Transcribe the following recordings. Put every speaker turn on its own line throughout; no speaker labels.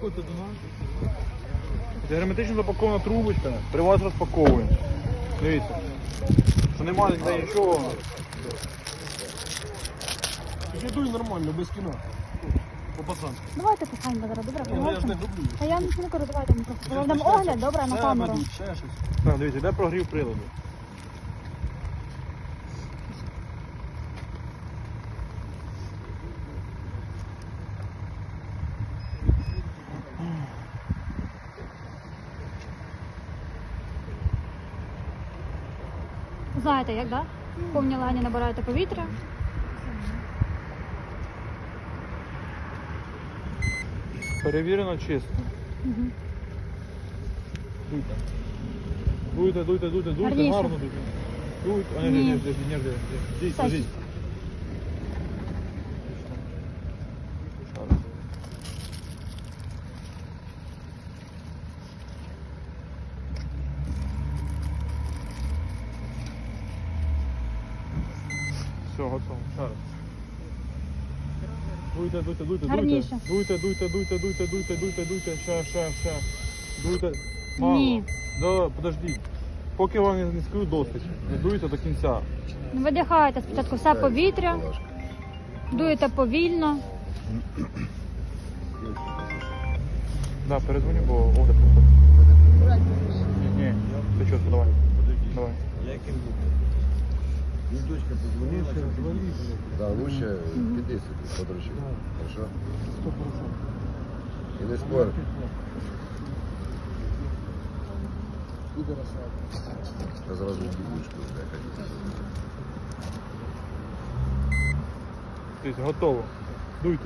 Підходьте до нас.
Це герметично запакована трубочка, при вас розпаковуємо. Дивіться, що немає ніде нічого.
Підійдуй нормально, без кіна. По пацанськи.
Давайте пихаємо зараз, добре?
Ну, я ж не
Поговоримо.
люблю.
Та я нічого не кажу, давайте ми просто проведемо огляд, добре, на
Ще
камеру.
ведуть, ще щось.
Так, дивіться, де прогрів приладу.
Знаєте, як, так? В повній лані набираєте повітря.
Перевірено чисто.
Угу.
Дуйте. Дуйте, дуйте, дуйте, дуйте,
Гарніше.
гарно дуйте. Дуйте. А, ні,
Ні.
ні, Здесь,
Так.
здесь. Все, готово. Ще раз. Дуйте, дуйте, дуйте, дуйте.
Гарніше.
Дуйте, дуйте, дуйте, дуйте, дуйте, дуйте, дуйте. Ще. Дуйте. Мало.
Ні.
Да, подожди. Поки вам не скажу досить. Не дуйте до кінця.
Видихаєте спочатку все повітря, дуєте повільно.
Да, перезвоню, бо огляд проходить. Ні, ти що, давай. Давай.
Дочка, позвони, да, лучше піди собі, подручи. Хорошо? І не спор. Я зразу дівчинку злякаю.
Тобто готово. Дуйте.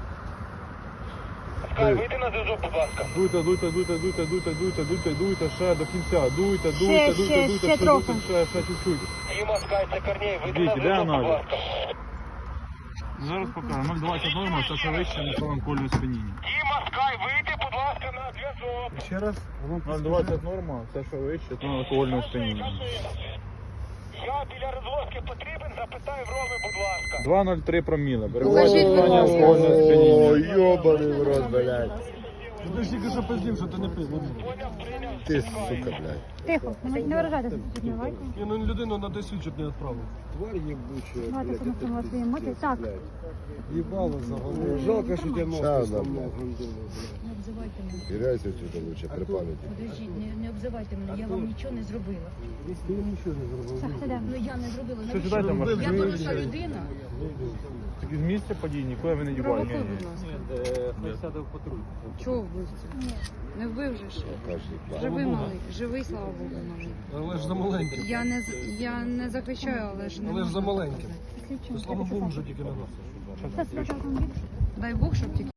Вийди на зв'язок, будь ласка.
Дуйте, дуйте, дуйте, дуйте, дуйте, дуйте, дуйте, дуйте, ще до кінця. Дуйте,
Ще,
дуйте,
ще,
дуйте, дуйте,
ще трохи.
дуйте, ще чуть-чуть.
Діма, Скай, це Корней, вийди на
Дивіться, де
зв'язок, будь
аналіз?
ласка.
Зараз покажу. 0,20 норма, це ще вище на кольне спиніння.
Діма, Скай, вийди, будь ласка, на зв'язок.
Ще раз.
0,20 норма, це ще вище на алкогольне спиніння.
Я біля розвозки потрібен, запитай в Роми, будь ласка.
2,03 проміла. Перебуває алкогольне спиніння.
О, йобаний в рот, блядь.
Ти ж тільки що пиздів, що ти не пив.
Ти, сука, блядь.
Тихо, не виражайтеся сьогодні, давайте.
Я ну людину на 10 чуть не відправив.
Тварь ебучая,
Давайте самостійно свої емоції. Так,
Їбало за голову. Жалко, що тебе
Щас,
нос
да,
Не обзивайте мене.
Теряйся отсюда лучше, при памяти.
Подождіть, не обзивайте мене, я вам нічого не зробила.
Ти нічого не зробив.
так, сидимо.
Ну я не зробила.
Що
Навіщо?
сідайте,
Я
машину?
доросла людина.
Так з місця подій нікуди ви не дівали.
Провокуй, будь ласка. Чого вбивця? Не вбив же ж. Живий малий, живий, слава Богу, малий.
Але ж за маленьким.
Я не захищаю, але ж не
Але ж за
можна.
маленьким.
Слідчим.
Слава Богу, вже тільки на нас.
Це спочатку автомобіль.
Дай Бог, щоб тільки.